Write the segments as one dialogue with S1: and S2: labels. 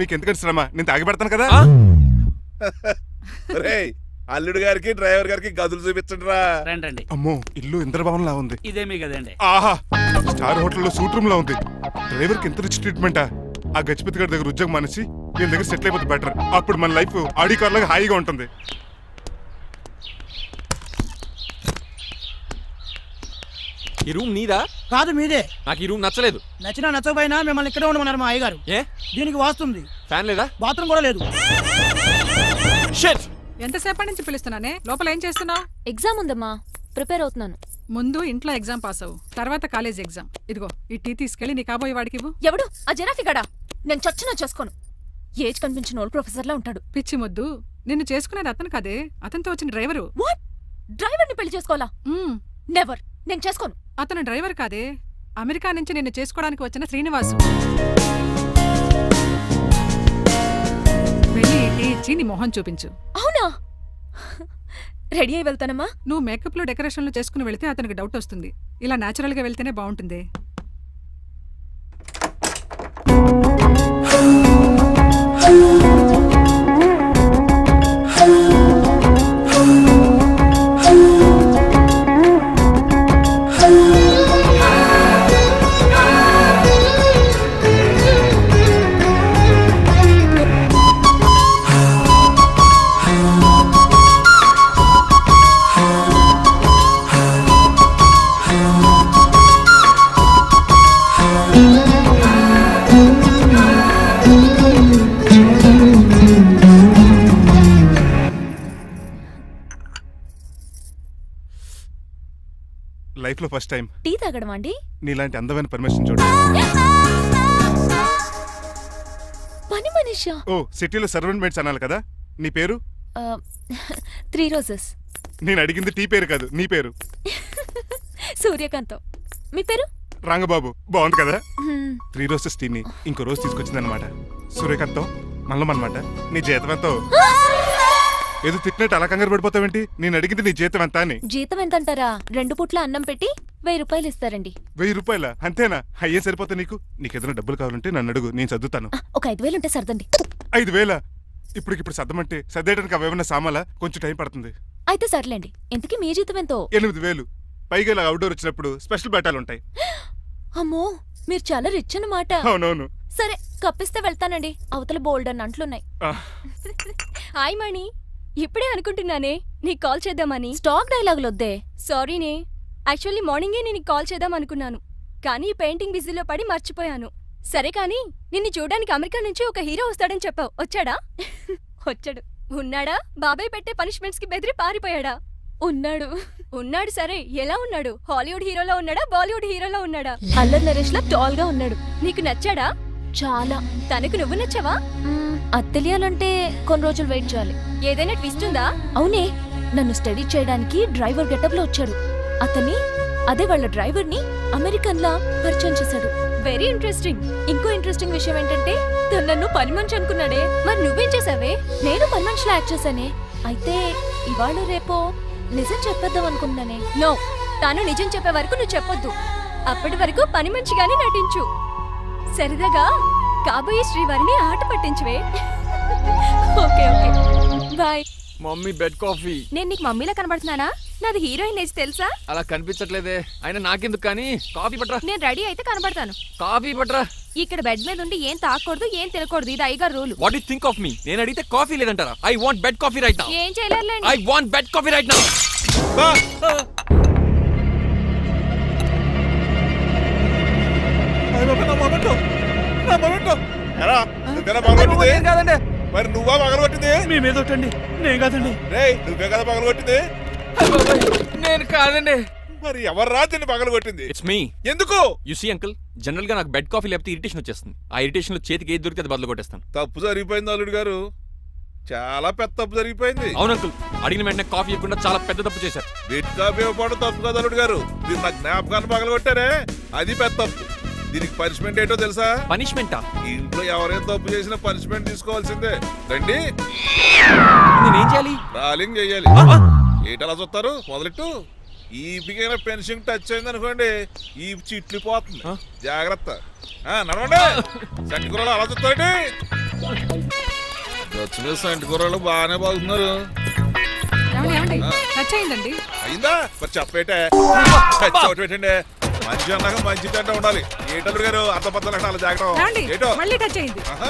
S1: మీకు ఎందుకంటే శ్రమ, నేను తాగి పెడతాను కదా.
S2: రేయ్, అల్లుడు గారికి డ్రైవర్ గారికి గదులు చూపించండి రా.
S3: రండి.
S1: అమ్మో, ఇల్లు ఇంద్రభవన్ లా ఉంది.
S3: ఇదేమీ కదండి.
S1: ఆహా, స్టార్ హోటల్లో సూట్ రూమ్ లా ఉంది. డ్రైవర్ కి ఎంత రిచ్ ట్రీట్మెంటా. ఆ గజపతి గారి దగ్గర ఉద్యోగం మానేసి వీళ్ళ దగ్గర సెటిల్ అయిపోతే బెటర్. అప్పుడు మన లైఫ్ ఆడి కార్ లాగా హాయిగా ఉంటుంది.
S4: ఈ రూమ్ నీదా?
S5: కాదు, మీదే.
S4: నాకు ఈ రూమ్ నచ్చలేదు.
S5: నచ్చినా నచ్చకపోయినా మిమ్మల్ని ఇక్కడే ఉండమన్నారు మా అయ్యగారు.
S4: ఏ
S5: దీనికి వాస్తుంది.
S4: ఫ్యాన్ లేదా?
S5: బాత్రూమ్ కూడా లేదు.
S4: షిట్!
S6: ఎంతసేపటి నుంచి పిలుస్తున్నానే? లోపల ఏం చేస్తున్నావు?
S7: ఎగ్జామ్ ఉందమ్మా, ప్రిపేర్ అవుతున్నాను.
S6: ముందు ఇంట్లో ఎగ్జామ్ పాస్ అవ్వు, తర్వాత కాలేజ్ ఎగ్జామ్. ఇదిగో ఈ టీ తీసుకెళ్లి నీ కాబోయే వాడికి ఇవ్వు.
S7: ఎవడు ఆ జరాఫీ గడా? నేను చచ్చినా చేసుకోను. ఏజ్ కనిపించిన ఓల్డ్ ప్రొఫెసర్ లా ఉంటాడు.
S6: పిచ్చి మొద్దు, నిన్ను చేసుకునేది అతను కాదే, అతనితో వచ్చిన డ్రైవరు.
S7: వాట్? డ్రైవర్ ని పెళ్లి చేసుకోవాలా?
S6: మ్మ్.
S7: నెవర్, నేను చేసుకోను.
S6: అతను డ్రైవర్ కాదే, అమెరికా నుంచి నిన్ను చేసుకోవడానికి వచ్చిన శ్రీనివాసు. వెళ్ళి ఈ టీ ఇచ్చి నీ మొహం చూపించు.
S7: అవునా? రెడీ అయి వెళ్తానమ్మా.
S6: నువ్వు మేకప్ లో డెకరేషన్లు చేసుకుని వెళ్తే అతనికి డౌట్ వస్తుంది. ఇలా నేచురల్ గా వెళ్తేనే బాగుంటుంది.
S1: లైఫ్ లో ఫస్ట్ టైం
S7: టీ తాగడం అండి?
S1: నీలాంటి అందమైన పర్మిషన్ చూడు.
S7: పని మనిషా?
S1: ఓ, సిటీలో సర్వెంట్ మేట్స్ అనాలి కదా. నీ పేరు?
S7: 3 రోజెస్.
S1: నేను అడిగింది టీ పేరు కాదు, నీ పేరు.
S7: సూర్యకాంతం. మీ పేరు?
S1: రంగబాబు. బాగుంది కదా. 3 రోజెస్ టీని ఇంకో రోజు తీసుకొచ్చిందనమాట. సూర్యకాంతం మల్లం అనమాట. నీ జీతం ఎంతో? ఏదో తిట్టినట్టు అలా కంగారు పడిపోతావేంటి? నేను అడిగింది నీ జీతం ఎంత అని.
S7: జీతం ఎంత అంటారా? 2 పూట్ల అన్నం పెట్టి 1000 రూపాయలు ఇస్తారండి.
S1: 1000 రూపాయల? అంతేనా? అయ్యే సరిపోతా నీకు. నీకేదైనా డబ్బులు కావాలంటే నన్ను అడుగు, నేను సర్దుతాను.
S7: ఒక 5000 ఉంటే సర్దండి.
S1: 5000? ఇప్పుడు సర్దమంటే సర్దేయడానికి అవేమన్నా సామాలా? కొంచెం టైం పడుతుంది.
S7: అయితే సర్లేండి. ఇంతకీ మీ జీతం ఎంతో?
S1: 8000. పైగా ఇలా అవుట్డోర్ వచ్చినప్పుడు స్పెషల్ బట్టాలు ఉంటాయి.
S7: అమ్మో, మీరు చాలా రిచ్ అన్నమాట.
S1: అవునవును.
S7: సరే, కప్పిస్తే వెళ్తానండి. అవతల బోల్డ్ అన్న అంట్లున్నాయి. హాయ్ మణి, ఇప్పుడే అనుకుంటున్నానే నీకు కాల్ చేద్దామని. స్టాక్ డైలాగులు వద్దే. సారీనే, యాక్చువల్లీ మార్నింగే నేను కాల్ చేద్దాం అనుకున్నాను, కానీ పెయింటింగ్ బిజీలో పడి మర్చిపోయాను. సరే కానీ నిన్ను చూడడానికి అమెరికా నుంచి ఒక హీరో వస్తాడని చెప్పావు, వచ్చాడా? వచ్చాడు. ఉన్నాడా? బాబాయ్ పెట్టే పనిష్మెంట్స్ కి బెదిరి పారిపోయాడా? ఉన్నాడు. ఉన్నాడు. సరే, ఎలా ఉన్నాడు? హాలీవుడ్ హీరోలో ఉన్నాడా, బాలీవుడ్ హీరోలో ఉన్నాడా? అల్లరి నరేష్ లా టాల్ గా ఉన్నాడు. నీకు నచ్చాడా? చాలా. తనకు నువ్వు నచ్చావా? అది తెలియాలంటే కొన్ని రోజులు వెయిట్ చేయాలి. ఏదైనా ట్విస్ట్ ఉందా? అవునే, నన్ను స్టడీ చేయడానికి డ్రైవర్ గెటప్ లో వచ్చాడు. అదే వాళ్ళ డ్రైవర్ ని అమెరికన్ లా పరిచయం చేశాడు. Very interesting. ఇంకో ఇంట్రెస్టింగ్ విషయం ఏంటంటే తను నన్ను పని మనిషి అనుకున్నాడే. మరి నువ్వేం చేసావే? నేను పని మనిషిలా యాక్ట్ చేశానే. అయితే ఇవాళ రేపో నిజం చెప్పేద్దాం అనుకున్నానే. నో, తాను నిజం చెప్పే వరకు నువ్వు చెప్పొద్దు. అప్పటి వరకు పని మనిషిగానే నటించు. సరదాగా కాబోయే శ్రీవారిని ఆట పట్టించువే. Okay okay, bye.
S4: Mummy bed coffee.
S7: నేను నీకు మమ్మీలా కనబడుతున్నానా? నాది హీరోయిన్ ఏజ్ తెలుసా?
S4: అలా కనిపించట్లేదే. అయినా నాకెందుకు కానీ. కాఫీ పట్రా.
S7: నేను రెడీ అయితే కనబడతాను.
S4: కాఫీ పట్రా.
S7: ఇక్కడ బెడ్ మీద ఉండి ఏం తాకూడదు, ఏం తినకూడదు. ఇది అయ్యగారు rule.
S4: What you think of me? నేను అడిగితే కాఫీ లేదంటారా? I want bed coffee right now.
S7: ఏం చేయలేరులేండి.
S4: I want bed coffee right now.
S2: కాదండి, మరి నువ్వా పగలగొట్టింది?
S3: మీ మీద ఒకటండి, నేను కాదండి.
S2: రేయ్, నువ్వే కదా పగలగొట్టింది?
S4: నేను కాదండి.
S2: మరి ఎవర్రా దీన్ని పగలగొట్టింది?
S4: It's me.
S2: ఎందుకు?
S4: యు సీ అంకుల్, జనరల్ గా నాకు బెడ్ కాఫీ లేకపోతే ఇరిటేషన్ వచ్చేస్తుంది. ఆ ఇరిటేషన్ లో చేతికి ఏది దొరికితే అది బదులు కొట్టేస్తాను.
S2: తప్పు జరిగిపోయింది అల్లుడు గారు, చాలా పెద్ద తప్పు జరిగిపోయింది.
S4: అవును అంకుల్, అడిగిన వెంటనే కాఫీ ఇవ్వకుండా చాలా పెద్ద తప్పు చేశారు.
S2: బెడ్ కాఫీ ఇవ్వడం తప్పు కదా అల్లుడు గారు, మీరు నా జ్ఞాపకాన్ని పగలగొట్టారే, అది పెద్ద తప్పు. దీనికి పనిష్మెంట్ ఏంటో తెలుసా?
S4: పనిష్మెంటా?
S2: ఇంట్లో ఎవరైనా తప్పు చేసినా పనిష్మెంట్ తీసుకోవాల్సిందే. రండి,
S4: నేనేం చేయాలి?
S2: రాలింగ్ చెయ్యాలి. ఏటలా చూస్తారు? మొదలెట్టు. ఈపికైనా పెన్షన్ టచ్ అయింది అనుకోండి, ఈ చిట్లు పోతుంది. జాగ్రత్త. నడవండి. సంటి కూరలు అలా చూస్తారండి. గచ్చు మీద సంటి కూరలు బాగానే బాగుతున్నారు.
S6: ఏమండి టచ్ అయిందండి.
S2: అయిందా మరి చెప్పేటే చోటు పెట్టండి. మంచి అన్నాక మంచి తింటా ఉండాలి. ఏటల్లుడు గారు అర్థపత్రాలు అలా
S6: ఏమండి
S2: జాగ్రత్త. ఏటో
S6: మళ్ళీ టచ్ అయింది.
S2: ఆహా,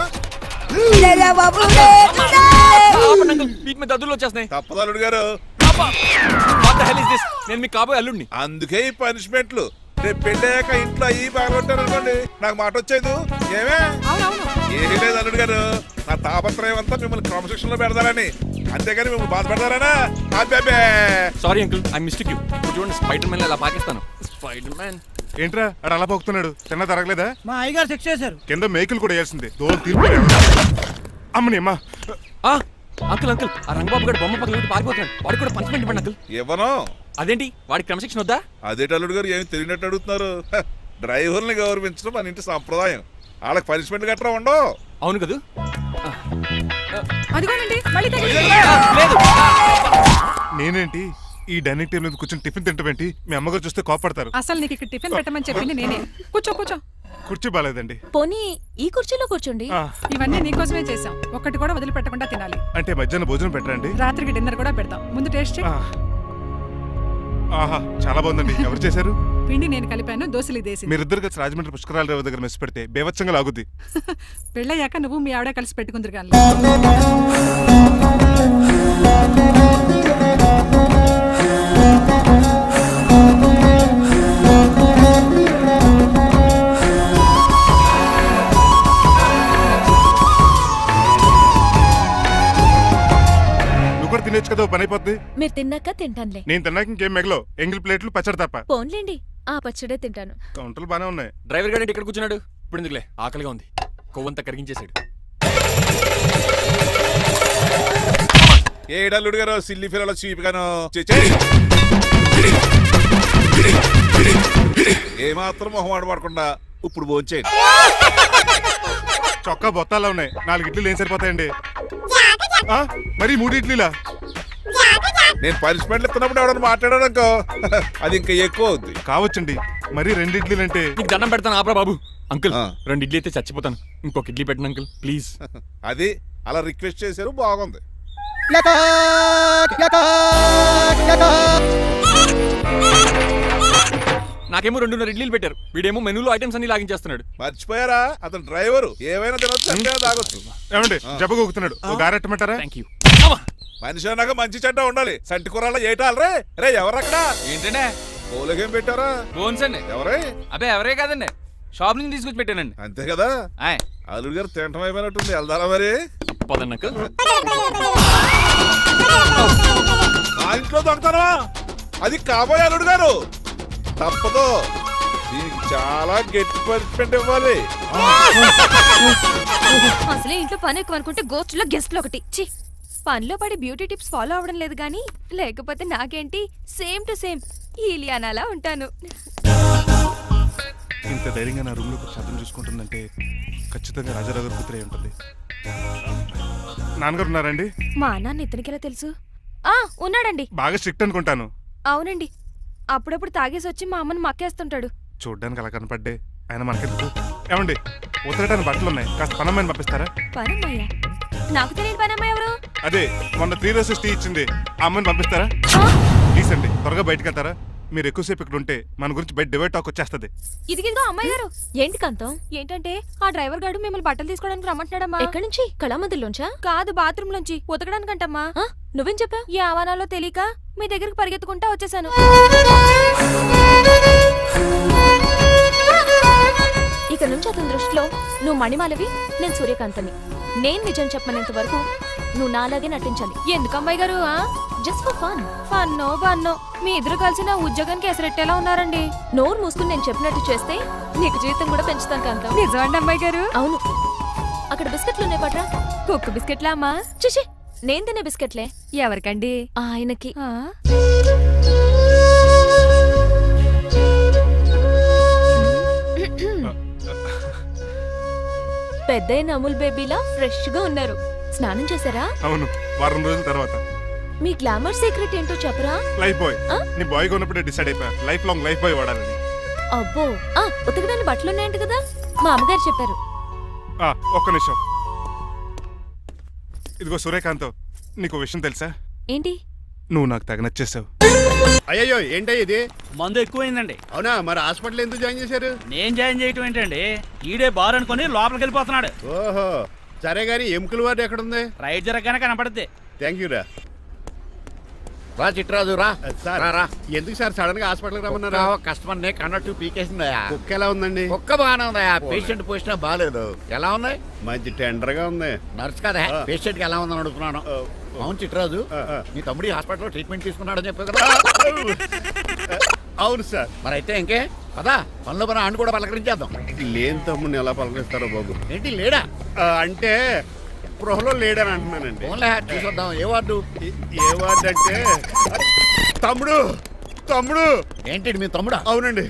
S4: ఆపండి అంకుల్, వీటి మీద దద్దులు వచ్చేస్తున్నాయి.
S2: తప్పదు అల్లుడు గారు.
S4: What the hell is this? నేను మీకు కాబోయే అల్లుడిని.
S2: అందుకే ఈ పనిష్మెంట్లు. రేపు పెళ్ళాక ఇంట్లో అయ్యి బాగుంటారు అనుకోండి, నాకు మాట వచ్చేది ఏమే.
S6: అవునవును.
S2: ఏమీ లేదు అల్లుడు గారు, నా తాపత్రయం అంతా మిమ్మల్ని క్రమశిక్షణలో పెడతారని, అంతేగాని మిమ్మల్ని బాధపడతారనా? అబ్బే
S4: sorry uncle, I mistake you. చూడండి స్పైడర్ మ్యాన్ అలా పాకిస్తాను. Spider man.
S1: ఏంట్రా అడు అలా పోతున్నాడు? తిన్న తరగలేదా?
S5: మా అయ్యగారు సెక్స్ చేశారు.
S1: కింద మేకులు కూడా వేయాల్సిందే. దోలు తీర్పు అమ్మని అమ్మా.
S4: అంకుల్ అంకుల్, ఆ రంగబాబు గారు బొమ్మ పక్కన పెట్టి పారిపోతున్నాడు. వాడికి కూడా పనిష్మెంట్ ఇవ్వండి అంకుల్.
S2: ఇవ్వను.
S4: అదేంటి వాడికి క్రమశిక్షణ వద్దా?
S2: అదేటి అల్లుడు గారు ఏమి తెలియనట్టు అడుగుతున్నారు? డ్రైవర్ని గౌరవించడం మన ఇంటి సంప్రదాయం. వాళ్ళకి పనిష్మెంట్ గట్రా ఉండవు.
S4: అవును కదా.
S6: అదిగోనండి మళ్ళీ తగిలింది.
S4: లేదు.
S1: నేనేంటి ఈ డైనింగ్ టేబుల్ మీద కూర్చొని టిఫిన్ తింటామేంటి? మీ అమ్మగారు చూస్తే కోపడతారు.
S6: అసలు నీకు ఇక్కడ టిఫిన్ పెట్టమని చెప్పింది నేనే. కూర్చో కూర్చో.
S1: కుర్చీ బాగాలేదండి.
S7: పోనీ ఈ కుర్చీలో కూర్చోండి.
S1: ఆ,
S6: ఇవన్నీ నీకోసమే చేసాం. ఒక్కటి కూడా వదిలిపెట్టకుండా తినాలి.
S1: అంటే మధ్యాహ్నం భోజనం పెట్టరండి?
S6: రాత్రికి డిన్నర్ కూడా పెడతాం. ముందు టేస్ట్ చెయ్యి.
S1: ఆ. ఆహా చాలా బాగుందండి. ఎవరు చేశారు?
S6: పిండి నేను కలిపాను, దోశలు ఇదేసి.
S1: మీరిద్దరు కలిసి రాజమండ్రి పుష్కరాల రేవు దగ్గర మెస్ పెడితే బేవచ్చంగా లాగుద్ది.
S6: పెళ్ళయ్యాక నువ్వు మీ ఆవిడ కలిసి పెట్టుకుందరు కానీ.
S1: నువ్వు కూడా తినేచ్చు కదా, ఓ పని అయిపోద్ది.
S7: మీరు తిన్నాక తింటానులే.
S1: నేను తిన్నాక ఇంకేం మిగలో ఎంగిల్ ప్లేట్లు పచ్చడి తప్ప.
S7: పోన్లేండి, ఆ పచ్చడే తింటాను.
S1: కౌంటర్లు బానే ఉన్నాయి.
S4: డ్రైవర్ గారు ఇక్కడ కూర్చున్నాడు. ఇప్పుడు ఎందుకులే, ఆకలిగా ఉంది. కొవ్వంతా కరిగించేశాడు.
S2: ఏడల్లుడు గారు సిల్లి ఫిరలో చీపిగాను ఏమాత్రం మొహమాట పడకుండా ఇప్పుడు భోంచేయండి.
S1: చొక్కా బొత్తాలా ఉన్నాయి. 4 ఇడ్లీలు ఏం సరిపోతాయండి? ఆ, మరి 3 ఇడ్లీలా?
S2: నేను పనిష్మెంట్లు ఇస్తున్నప్పుడు ఎవడన్నా మాట్లాడాడు అనుకో, అది ఇంకా ఎక్కువ అవుద్ది.
S1: కావచ్చండి, మరి 2 ఇడ్లీలు అంటే.
S4: నీకు దండం పెడతాను ఆపరా బాబు. అంకుల్
S2: ఆ.
S4: 2 ఇడ్లీ అయితే చచ్చిపోతాను. ఇంకొక ఇడ్లీ పెట్టండి అంకుల్ ప్లీజ్.
S2: అది అలా రిక్వెస్ట్ చేశారు, బాగుంది.
S4: నాకేమో 2 ఇడ్లీలు పెట్టారు. వీడేమో మెనూలో ఐటమ్స్ అన్ని లాగించేస్తున్నాడు.
S2: మర్చిపోయారా, అతను డ్రైవరు. ఏమైనా తినొచ్చు, అంటే తాగొచ్చు.
S1: ఏమండి జబ్బగొక్కుతున్నాడు? ఓ గారెట్టమంటారా?
S4: Thank you.
S2: మనిషి అన్నాక మంచి చెడ్డ ఉండాలి. సంటి కూరలో ఏటాలరే. రే ఎవరక్కడ?
S8: ఏంటంటే
S2: పోలేకేం పెట్టారా?
S8: బోన్స్ అండి.
S2: ఎవరే?
S8: అబ్బే ఎవరే కాదండి, షాప్ నుంచి తీసుకొచ్చి పెట్టానండి.
S2: అంతే కదా.
S8: ఆయ్
S2: అల్లుడు గారు తింటం అయిపోయినట్టుంది. వెళ్దారా మరి?
S4: పదండి అంకుల్.
S2: ఆ ఇంట్లో దొంగతనమా? అది కాబోయే అల్లుడు గారు. తప్పదు, దీనికి చాలా గట్టి పనిష్మెంట్ ఇవ్వాలి.
S7: అసలే ఇంట్లో పని ఎక్కువ అనుకుంటే గోస్ట్లో గెస్ట్లు ఒకటి. ఛీ, పనిలో పడి బ్యూటీ టిప్స్ ఫాలో అవ్వడం లేదు కానీ, లేకపోతే నాకేంటి సేమ్ టు సేమ్ ఈలియానాలా ఉంటాను.
S1: ఇంత ధైర్యంగా నా రూమ్ లో శబ్దం చూసుకుంటుందంటే ఖచ్చితంగా రాజారావు గారు కూతురే ఉంటుంది. నాన్నగారు ఉన్నారండి?
S7: మా నాన్న ఇతనికి ఎలా తెలుసు? ఉన్నాడండి.
S1: బాగా స్ట్రిక్ట్ అనుకుంటాను.
S7: అవునండి, అప్పుడప్పుడు తాగేసి వచ్చి మా అమ్మని మక్కేస్తుంటాడు.
S1: చూడ్డానికి అలా కనపడ్డే ఆయన మనకెందుకు? ఏమండి ఉతరటానికి బట్టలు ఉన్నాయి, కాస్త పనమ్మని పంపిస్తారా?
S7: పనమ్మయ్య? నాకు తెలియని పనమ్మ ఎవరు?
S1: అదే మొన్న 3 రోజెస్ టీ ఇచ్చింది, ఆ అమ్మని పంపిస్తారా? ప్లీజ్ అండి, త్వరగా బయటకు వెళ్తారా? మీరు ఎక్కువసేపు ఇక్కడ ఉంటే మన గురించి బయట డివైడ్ టాక్ వచ్చేస్తుంది.
S7: ఇదిగిదిగో అమ్మాయి గారు. ఏంటి కాంతం? ఏంటంటే ఆ డ్రైవర్ గారు మిమ్మల్ని బట్టలు తీసుకోవడానికి రమ్మంటున్నాడమ్మా. ఎక్కడి నుంచి? కళామందిలోంచా? కాదు, బాత్రూమ్ లోంచి ఉతకడానికంటమ్మా. నువ్వేం చెప్పా? ఈ ఆవానాలో తెలియక మీ దగ్గరికి పరిగెత్తుకుంటా వచ్చేసాను. ఇక నుంచి అతని దృష్టిలో నువ్వు మణిమాలవి, నేను సూర్యకాంతని. నేను నిజం చెప్పనంత వరకు నువ్వు నాలాగే నటించాలి. ఎందుకు అమ్మాయి గారు? Just for fun. ఫన్నో బన్నో, మీ ఇద్దరు కలిసి నా ఉద్యోగానికి ఎసరెట్టేలా ఉన్నారండి. నోరు మూసుకుని నేను చెప్పినట్టు చేస్తే నీకు జీతం కూడా పెంచుతాను కాంతం. నిజమండి అమ్మాయి గారు? అవును. అక్కడ బిస్కెట్లు ఉన్నాయి పట్రా. కుక్క బిస్కెట్లా అమ్మా? చిచి, నేను తినే బిస్కెట్లే. ఎవరికండి? ఆయనకి. పెద్దయిన అమూల్ బేబీలా ఫ్రెష్ గా ఉన్నారు. స్నానం చేశారా?
S1: అవును, వారం రోజుల తర్వాత.
S7: మీ గ్లామర్ సీక్రెట్ ఏంటో చెప్పరా?
S1: Lifebuoy. నీ బాయ్ కొన్నప్పుడే డిసైడ్ అయిపోయా లైఫ్ లాంగ్ లైఫ్ బాయ్ వాడాలని.
S7: అబ్బో, ఉతకడానికి బట్టలున్నాయంట కదా, మా అమ్మగారు చెప్పారు.
S1: ఒక్క నిమిషం. ఇదిగో సూర్యకాంతం, నీకు విషయం తెలుసా?
S7: ఏంటి?
S1: నువ్వు నాకు తగ నచ్చేసావు.
S9: అయ్యయ్యో ఏంటో ఇది?
S3: మందు ఎక్కువైందండి.
S9: అవునా, మరి హాస్పిటల్ ఎందుకు జాయిన్ చేశారు?
S3: నేను జాయిన్ చేయటం ఏంటండి, ఈడే బార్ అనుకుని లోపలికి వెళ్ళిపోతున్నాడు.
S9: ఓహో, సరే గాని ఎముకల వార్డు ఎక్కడుంది?
S3: రైట్ జరగగానే కనపడుద్ది.
S9: థ్యాంక్ యూ రా.
S10: రా చిట్రాజు రా.
S9: సార్
S10: రా, రా.
S9: ఎందుకు సార్ సడన్ గా హాస్పిటల్కి రమ్మన్నారా?
S10: కస్టమర్ నే కన్నట్టు పీకేసిందయా.
S9: కుక్క ఎలా ఉందండి?
S10: కుక్క బాగానే ఉందయా, పేషెంట్ పొజిషన్ బాగాలేదు. ఎలా ఉంది?
S9: మంచి టెండర్ గా ఉంది.
S10: నర్స్ కదా పేషెంట్ కి ఎలా ఉందని అడుగుతున్నాను. అవును చిట్రాజు,
S9: ఆ.
S10: నీ తమ్ముడి హాస్పిటల్లో ట్రీట్మెంట్ తీసుకున్నాడని చెప్పావు కదా.
S9: అవును సార్.
S10: మరి అయితే ఇంకే పదా పనులు పని ఆండు కూడా పలకరించేద్దాం.
S9: లేని తమ్ముడిని ఎలా పలకరిస్తారో బాబు.
S10: ఏంటి లేడా?
S9: అంటే గృహలో లేడని అంటున్నానండి.
S10: ఫోన్లే చూసొద్దాం. ఏ వార్డు?
S9: ఏ వార్డు అంటే తమ్ముడు తమ్ముడు.
S10: ఏంటి మీ తమ్ముడా?
S9: అవునండి.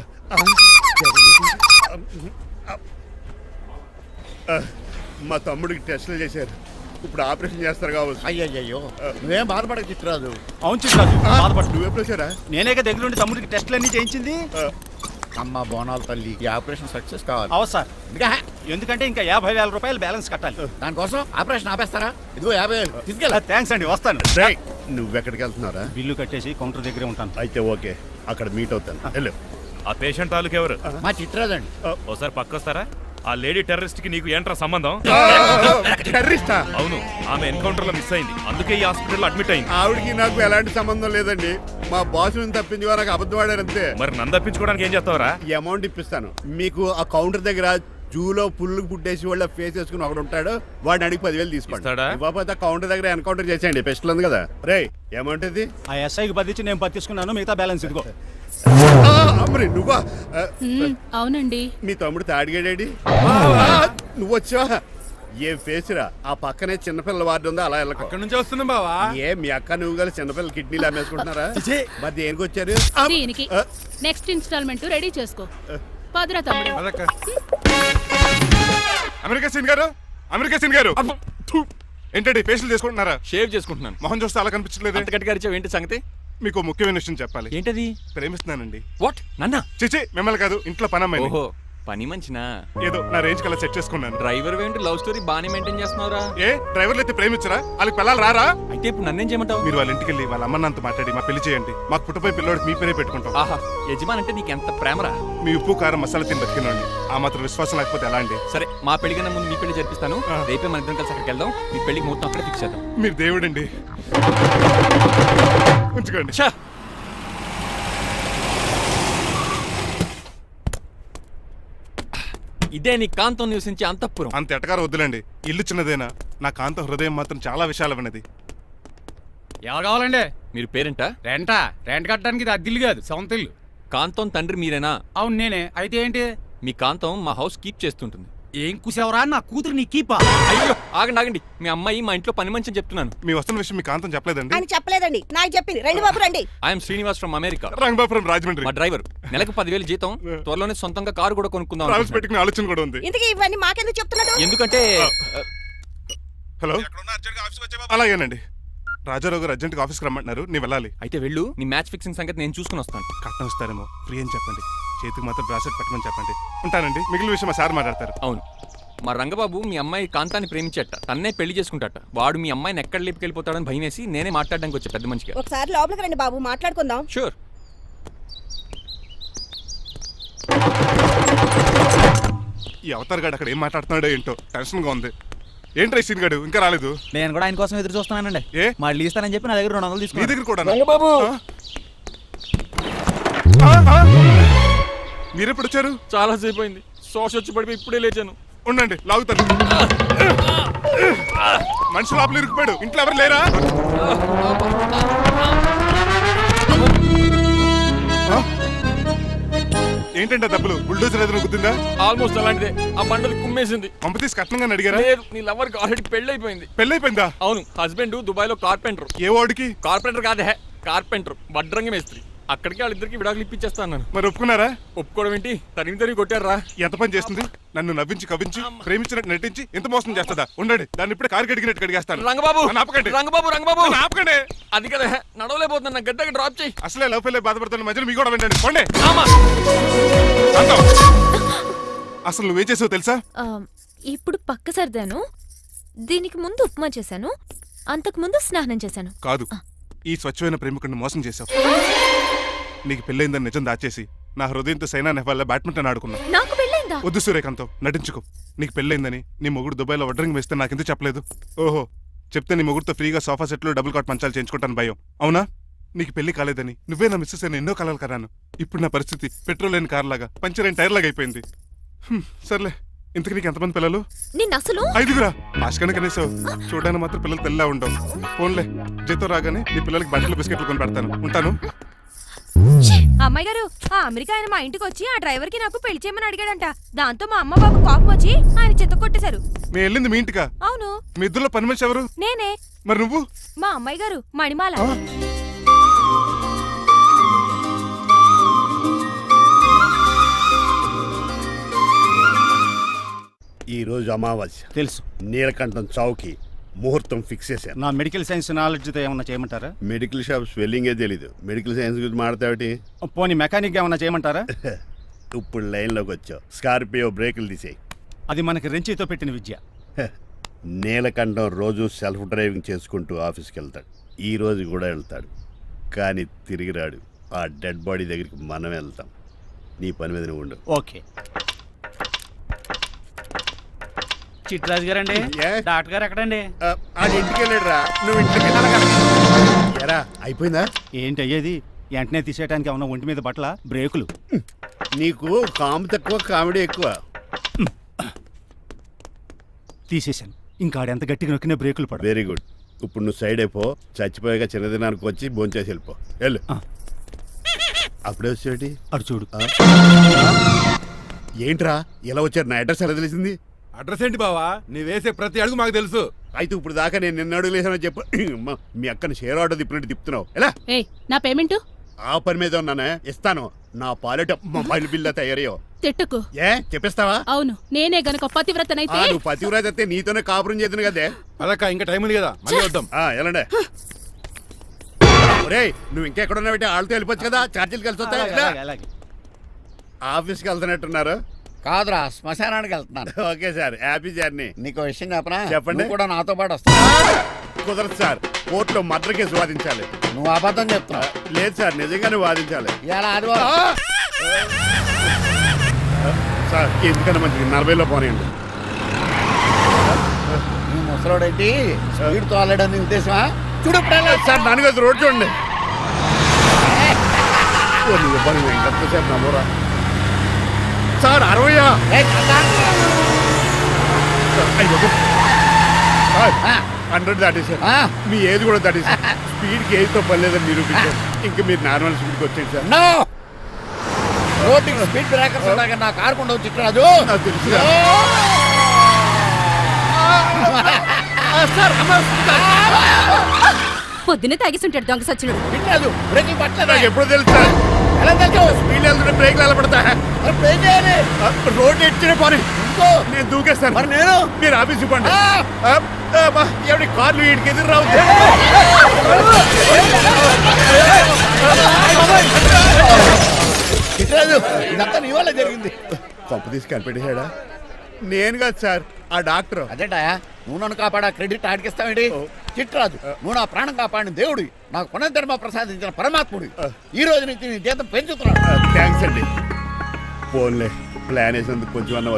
S9: మా తమ్ముడికి టెస్టులు చేశారు, ఇప్పుడు ఆపరేషన్ చేస్తారు కావచ్చు.
S10: అయ్యయ్యో, నువ్వేం బాధపడక చిట్రాజు.
S3: అవును చిట్రాజు, బాధపడు.
S9: నువ్వు ఎప్పుడు వచ్చారా?
S3: నేనేక దగ్గరుండి తమ్ముడికి టెస్టులన్నీ చేయించింది.
S10: అమ్మ బోనాల తల్లి, ఈ ఆపరేషన్ సక్సెస్ కావాలి.
S3: అవు సార్,
S10: ఇంకా
S3: ఎందుకంటే ఇంకా 50,000 రూపాయలు బ్యాలెన్స్ కట్టాలి.
S10: దానికోసం ఆపరేషన్ ఆపేస్తారా? ఇదిగో 50,000 తీసుకెళ్ళ.
S3: థ్యాంక్స్ అండి, వస్తాను.
S9: రేయ్, నువ్వెక్కడికి వెళ్తున్నారా?
S3: బిల్లు కట్టేసి కౌంటర్ దగ్గరే ఉంటాను.
S9: అయితే ఓకే, అక్కడ మీట్ అవుతాను. వెళ్ళు.
S11: ఆ పేషెంట్ తాలూకు ఎవరు?
S10: మా చిట్రాజు అండి.
S11: ఓసారి పక్కొస్తారా? ఆ లేడీ టెర్రరిస్ట్ కి నీకు ఏంట్రా సంబంధం?
S9: టెర్రరిస్టా?
S11: అవును, ఆమె ఎన్కౌంటర్ లో మిస్ అయింది, అందుకే ఈ హాస్పిటల్ అడ్మిట్ అయింది.
S9: ఆవిడకి నాకు ఎలాంటి సంబంధం లేదండి. మా బాస్ నుంచి తప్పించి నాకు అబద్ధం ఆడారు అంతే.
S11: మరి నన్ను తప్పించుకోవడానికి ఏం చేస్తావరా?
S9: ఈ అమౌంట్ ఇప్పిస్తాను మీకు. ఆ కౌంటర్ దగ్గర జూలో పుల్లు పుట్టేసి వాళ్ళ ఫేస్ వేసుకుని ఒకడు ఉంటాడు, వాడిని అడిగి 10,000 తీసుకోండి.
S11: ఇస్తాడా?
S9: ఇవ్వకపోతే కౌంటర్ దగ్గర ఎన్కౌంటర్ చేసేయండి. పెస్టల్ ఉంది కదా. రే, అమౌంట్ ఇది?
S3: ఆ ఎస్ఐకి బదిలించి నేను తీసుకున్నాను, మిగతా బ్యాలెన్స్ ఇదిగో.
S9: అమ్మరి నువ్వా?
S6: అవునండి.
S9: మీ తమ్ముడు తాడిగాడేడి? నువ్వు వచ్చావా? ఏ ఫేస్ రా. ఆ పక్కనే చిన్నపిల్లల వార్డు ఉందా, అలా వెళ్ళకు.
S2: అక్కడ నుంచి వస్తున్నాం బావా.
S9: ఏ మీ అక్క నువ్వు కలిసి చిన్నపిల్లల కిడ్నీలు అమ్మేసుకుంటున్నారా? మరి దేనికి వచ్చారు?
S6: దీనికి నెక్స్ట్ ఇన్స్టాల్మెంట్ రెడీ చేసుకో. పదరా తమ్ముడు.
S2: అదక్క.
S1: అమెరికా సీన్ గారు, అమెరికా సీన్ గారు, ఏంటండి ఫేషియల్ చేసుకుంటున్నారా?
S4: షేవ్ చేసుకుంటున్నాను.
S1: మొహం చూస్తే అలా కనిపించలేదు.
S4: అంత గట్టిగా అరిచావు, ఏంటి సంగతి?
S1: మీకు ఓ ముఖ్యమైన విషయం చెప్పాలి.
S4: ఏంటది?
S1: ప్రేమిస్తున్నానండి.
S4: వాట్? నన్నా?
S1: చిచి, మిమ్మల్ని కాదు, ఇంట్లో పనమ్మాయి.
S4: ఓహో, పని మంచినా?
S1: ఏదో నా రేంజ్ కల్లా సెట్ చేసుకున్నాను.
S4: డ్రైవర్ ఏంటి లవ్ స్టోరీ బాగానే మెయింటైన్ చేస్తున్నావురా?
S1: ఏ డ్రైవర్లు అయితే ప్రేమించరా? వాళ్ళకి పిల్లలు రారా?
S4: అయితే ఇప్పుడు నన్నేం చేయమంటావు?
S1: మీరు వాళ్ళ ఇంటికి వెళ్ళి వాళ్ళ అమ్మ నాన్నతో మాట్లాడి మా పెళ్లి చేయండి. మాకు పుట్టపోయి పిల్లోడికి మీ పేరే పెట్టుకుంటాం.
S4: ఆహా, యజమాన్ అంటే నీకు ఎంత ప్రేమరా?
S1: మీ ఉప్పు కారం మసాలా తిని బతికినండి. ఆ మాత్రం విశ్వాసం లేకపోతే ఎలా అండి?
S4: సరే, మా పెళ్లి కన్నా ముందు మీ పెళ్లి జరిపిస్తాను.
S1: ఆ.
S4: రేపే మన ఇద్దరం కలిసి అక్కడికి వెళ్దాం. మీ పెళ్లికి మొత్తం అక్కడే ఫిక్స్ చేద్దాం.
S1: మీరు దేవుడండి. ఉంచుకోండి.
S4: ఛా! ఇదే నీ కాంతం నివసించే అంతఃపురం.
S1: అంత ఎటకారం వద్దులండి. ఇల్లు చిన్నదేనా, నా కాంత హృదయం మాత్రం చాలా విశాలమైనది.
S8: ఎవరు కావాలండి?
S4: మీరు పేరెంటా?
S8: రెంటా? రెంట్ కట్టడానికి ఇది అద్దిల్లు కాదు, సొంత ఇల్లు.
S4: కాంతం తండ్రి మీరేనా?
S8: అవును నేనే. అయితే ఏంటి?
S4: మీ కాంతం మా హౌస్ కీప్ చేస్తుంటుంది.
S8: ఏం కూసావరా? నా కూతురు నీ కీపా?
S4: అయ్యో, ఆగండి ఆగండి. మీ అమ్మాయి మా ఇంట్లో పని మంచి అని చెప్తున్నాను.
S1: మీ వస్తున్న విషయం మీ కాంతం చెప్పలేదండి?
S12: అని చెప్పలేదండి, నాకు చెప్పింది. రండి బాబు రండి.
S4: I'm Srinivas from America.
S1: Rangabapuram Rajahmundry.
S4: మా డ్రైవర్. నెలకు 10,000 జీతం. త్వరలోనే సొంతంగా కారు కూడా కొనుక్కుందాం
S1: ట్రావెల్స్
S4: అనుకుంటున్నాను.
S1: పెట్టుకునే ఆలోచన కూడా ఉంది.
S12: ఇంతకీ ఇవన్నీ మాకెందుకు చెప్తున్నాడు?
S4: ఎందుకంటే
S1: హలో, అలాగేనండి. రాజారావు గారు అర్జెంట్గా ఆఫీస్కి రమ్మంటున్నారు, నీ వెళ్ళాలి.
S4: అయితే వెళ్ళు. నీ మ్యాచ్ ఫిక్సింగ్ సంగతి నేను చూసుకుని వస్తాను.
S1: కట్నం ఇస్తారేమో, ఫ్రీ అని చెప్పండి. చేతికి మాత్రం బ్రాసెట్ పెట్టమని చెప్పండి. ఉంటానండి. మిగిలిన విషయం మా సార్ మాట్లాడతారు.
S4: అవును, మా రంగబాబు మీ అమ్మాయి కాంతాన్ని ప్రేమించట. తన్నే పెళ్లి చేసుకుంటాట. వాడు మీ అమ్మాయిని ఎక్కడ లేపుకెళ్ళిపోతాడని భయం వేసి నేనే మాట్లాడడానికి వచ్చా పెద్ద మంచిగా.
S12: ఒకసారి లోపలికి రండి బాబు, మాట్లాడుకుందాం.
S4: షూర్.
S1: ఈ అవతార్ గాడు అక్కడ ఏం మాట్లాడుతున్నాడో ఏంటో టెన్షన్గా ఉంది. ఏంట్రా ఈ సీన్ గాడు ఇంకా రాలేదు?
S3: నేను కూడా ఆయన కోసం ఎదురు చూస్తున్నానండి.
S1: ఏ
S3: మళ్ళీ ఇస్తానని చెప్పి నా దగ్గర 200
S1: మీ
S3: తీసుకున్నాను.
S1: దగ్గర కూడా?
S4: రంగబాబు,
S1: మీరెప్పుడు వచ్చారు?
S4: చాలా సేపు అయింది. శోష వచ్చి పడిపోయి ఇప్పుడే లేచాను.
S1: ఉండండి, లాగుతాను. మనిషి లోపల ఇరుక్కుపోయాడు. ఇంట్లో ఎవరు లేరా? ఏంటంటే డబ్బులు బుల్డోజర్ ఏదైనా గుద్దిందా?
S4: ఆల్మోస్ట్ అలాంటిదే. ఆ బండలు కుమ్మేసింది.
S1: పంపతీసి కట్నంగా అడిగారా?
S4: లేదు, నీ లవర్కి ఆల్రెడీ పెళ్లి అయిపోయింది.
S1: పెళ్ళైపోయిందా?
S4: అవును, హస్బెండ్ దుబాయ్ లో కార్పెంటర్.
S1: ఏ వాడికి?
S4: కార్పెంటర్ కాదే, కార్పెంటర్. వడ్రంగి మేస్త్రి. అక్కడికి వాళ్ళిద్దరికి విడాకులు ఇప్పించేస్తాను నేను.
S1: మరి ఒప్పుకున్నారా?
S4: ఒప్పుకోవడం ఏంటి? తరిమి కొట్టారా?
S1: ఎంత పని చేస్తుంది? నన్ను నవ్వించి కవించి ప్రేమించినట్టు నటించి ఎంత మోసం చేస్తుందా? ఉండండి, దాన్ని ఇప్పుడే కారు కడిగినట్టు కడిగేస్తాను.
S4: రంగబాబు,
S1: నన్ను ఆపకండి.
S4: రంగబాబు,
S1: నన్ను ఆపకండి.
S4: అది కదా నడవలేకపోతున్నా. నా గడ్డకి డ్రాప్ చేయి.
S1: అసలే లవ్ ఫెయిల్ బాధపడుతున్న మధ్యలో మీ కూడా వెంటండి. పోండి.
S4: ఆమా.
S1: అసలు నువ్వేం చేసావు తెలుసా?
S7: ఇప్పుడు పక్క సర్దాను. దీనికి ముందు ఉప్మా చేశాను, అంతకు ముందు స్నానం చేశాను.
S1: కాదు, ఈ స్వచ్ఛమైన ప్రేమికుడిని మోసం చేశావు. నీకు పెళ్ళైందని నిజం దాచేసి నా హృదయంతో సైనా నెహ్వాల్ బ్యాడ్మింటన్ ఆడుకున్నా.
S7: నాకు పెళ్ళైందా?
S1: వద్దు సూర్యకాంతం, నటించుకో. నీకు పెళ్ళైందని నీ మొగుడు దుబాయ్లో వడ్రింగ్ వేస్తే నాకెందుకు చెప్పలేదు? ఓహో, చెప్తే నీ మొగుడుతో ఫ్రీగా సోఫా సెట్లు డబుల్ కాట్ మంచాలు చేయించుకుంటాను భయం. అవునా? నీకు పెళ్లి కాలేదని నువ్వే నా మిస్సెస్ అని ఎన్నో కలలు కరాను. ఇప్పుడు నా పరిస్థితి పెట్రోల్ లేని కార్ లాగా, పంచర్ అయిన టైర్ లాగా అయిపోయింది. సర్లే, ఇంతకు నీకు ఎంతమంది పిల్లలు?
S7: నేను అసలు
S1: 5గురా. ఆశకనే కనీసం చూడడానికి మాత్రం పిల్లలు తెల్లా ఉండవు. ఫోన్లే, జీతం రాగానే నీ పిల్లలకి బట్టలు బిస్కెట్లు కొని పెడతాను. ఉంటాను.
S7: అమ్మాయి గారు, ఆ అమెరికా ఆయన మా ఇంటికి వచ్చి ఆ డ్రైవర్ కి నాకు పెళ్లి చేయమని అడిగాడంట. దాంతో మా అమ్మ బాబు కోపం వచ్చి ఆయన చెత్త కొట్టేశారు.
S1: మేము వెళ్ళింది మీ ఇంటికా?
S7: అవును.
S1: మీ ఇద్దరులో పని మనిషి ఎవరు?
S7: నేనే.
S1: మరి నువ్వు?
S7: మా అమ్మాయి గారు మణిమాల.
S9: ఈ రోజు అమావాస్య
S8: తెలుసు.
S9: నీలకంఠం చౌకి ముహూర్తం ఫిక్స్ చేశాను.
S8: నా మెడికల్ సైన్స్ నాలెడ్జ్తో ఏమన్నా చేయమంటారా?
S9: మెడికల్ షాప్ స్వెల్లింగే తెలీదు, మెడికల్ సైన్స్ గురించి మాడతావిటి?
S8: పోనీ మెకానిక్ ఏమన్నా చేయమంటారా?
S9: ఇప్పుడు లైన్లోకి వచ్చావు. స్కార్పియో బ్రేకులు తీసేయి.
S8: అది మనకి రెంచితో పెట్టిన విద్య.
S9: నీలకంఠం రోజు సెల్ఫ్ డ్రైవింగ్ చేసుకుంటూ ఆఫీస్కి వెళ్తాడు. ఈ రోజు కూడా వెళ్తాడు, కానీ తిరిగి రాడు. ఆ డెడ్ బాడీ దగ్గరికి మనం వెళ్తాం. నీ పని మీద నువ్వు ఉండు.
S8: ఓకే.
S3: చిట్రాజు గారండి,
S9: ఏ?
S3: డాక్టర్ గారు ఎక్కడండి?
S9: అది ఇంటికి వెళ్ళాడు రా, నువ్వు ఇంటికి ఎరా. అయిపోయిందా?
S8: ఏంటి అయ్యేది? వెంటనే తీసేయడానికి ఏమన్నా ఒంటి మీద బట్టల బ్రేకులు?
S9: నీకు కాము తక్కువ, కామెడీ ఎక్కువ.
S8: తీసేశాను. ఇంకా ఆడెంత గట్టిగా నొక్కినా బ్రేకులు పడ.
S9: Very good. ఇప్పుడు నువ్వు సైడ్ అయిపో. చచ్చిపోయాక చిన్నదినానికి వచ్చి భోంచేసి వెళ్ళిపో. వెళ్ళు. అప్పుడే వచ్చేటి
S8: అటు చూడు.
S9: ఏంట్రా ఇలా వచ్చారు? నా అడ్రస్ ఎలా తెలిసింది?
S2: అడ్రస్ ఏంటి బావా? నీ వేసే ప్రతి అడుగు మాకు తెలుసు.
S9: అయితే ఇప్పుడు దాకా నేను నిన్న అడుగులేసానని చెప్పు. అమ్మా, మీ అక్కని షేర్ ఆర్డర్ తిప్పినట్టు తిప్పుతున్నావు. ఎలా?
S6: నా పేమెంట్
S9: ఆ పని మీద ఉన్నానే, ఇస్తాను. నా పాలెట మొబైల్ బిల్లా తయారయ్యో.
S6: తిట్టుకు.
S9: ఏ చెప్పిస్తావా?
S6: అవును, నేనే గనక పతివ్రతనైతే
S9: నువ్వు పతివ్రాజ్ అయితే నీతోనే కాపురం చేద్దును కదే.
S2: అదక్క, ఇంకా టైం ఉంది కదా, మళ్ళీ వద్దాం.
S9: ఎలాండే? ఒరేయ్, నువ్వు ఇంకెక్కడున్నా పెట్టి వాళ్ళతో వెళ్ళిపోవచ్చు కదా, ఛార్జీలు కలిసి వస్తాయి.
S8: అలాగే.
S9: ఆఫీస్కి వెళ్తున్నట్టున్నారు.
S10: కాదురా, శ్మశానానికి వెళ్తున్నాను.
S9: Okay sir, happy journey.
S10: నీకు విషయం చెప్పనా?
S9: చెప్పండి.
S10: నువ్వు కూడా నాతో పాటు వస్తావు.
S9: కుదరదు సార్, కోర్టులో మర్డర్ కేసు వాదించాలి.
S10: నువ్వు అబద్ధం చెప్తున్నావు.
S9: లేదు సార్, నిజంగానే వాదించాలి.
S10: ఇలా ఆదివారం
S9: సార్, ఎందుకన్నా మంచిది 40లో పోనీయండి.
S10: నీ ముసలోడేంటి స్పీడ్ తోలడని ఉద్దేశమా? చూడు
S9: సార్, నాన్నగారు రోడ్ చూడండి. ఎంతసేపు నమ్మరా సార్? 60 100 దాటేశారు. మీ ఏది కూడా దాటేశారు. స్పీడ్కి ఏదితో పని లేదని నిరూపించారు. ఇంకా మీరు నార్మల్ స్పీడ్కి వచ్చేది సార్.
S10: రోడ్డుకి స్పీడ్ బ్రేకర్స్ ఉండగా నా కారు కొండ చిట్రాజు.
S9: నాకు తెలుసు
S7: పొద్దున్నే తాగిస్తుంటాడు దొంగ సచ్చినుడు.
S10: చిట్రాజు బ్రేకింగ్ పట్టలేదు.
S9: నాకు ఎప్పుడు తెలుసు సార్.
S10: ఎలా తెలుసు?
S9: స్పీడ్ వెళ్తుంటే బ్రేక్లు ఎలా పడతా?
S10: బ్రేక్ చేయాలి.
S9: రోడ్డు ఎచ్చిన పోనీ
S10: ఇంకో
S9: నేను దూకేస్తాను.
S10: మరి నేను
S9: మీరు ఆఫీస్ ఇవ్వండి. ఎవరి కార్లు వీడికి ఎదురు రావు.
S10: చిట్రాజు, ఇదంతా నీ వల్ల జరిగింది.
S9: కొంప తీసి కనిపెట్టేశాడా? నేను కాదు సార్, ఆ డాక్టర్.
S10: అదేటా, నువ్వు నన్ను కాపాడా క్రెడిట్ ఆడికిస్తావేంటి? చిట్రాజు, నువ్వు నా ప్రాణం కాపాడిన దేవుడి, నాకు పునర్ధర్మ ప్రసాదించిన పరమాత్ముడి. ఈ రోజు నుంచి నీ జీతం పెంచుతున్నాడు.
S9: థ్యాంక్స్ అండి. ఫోన్లే, ప్లాన్ వేసినందుకు కొంచెం అన్న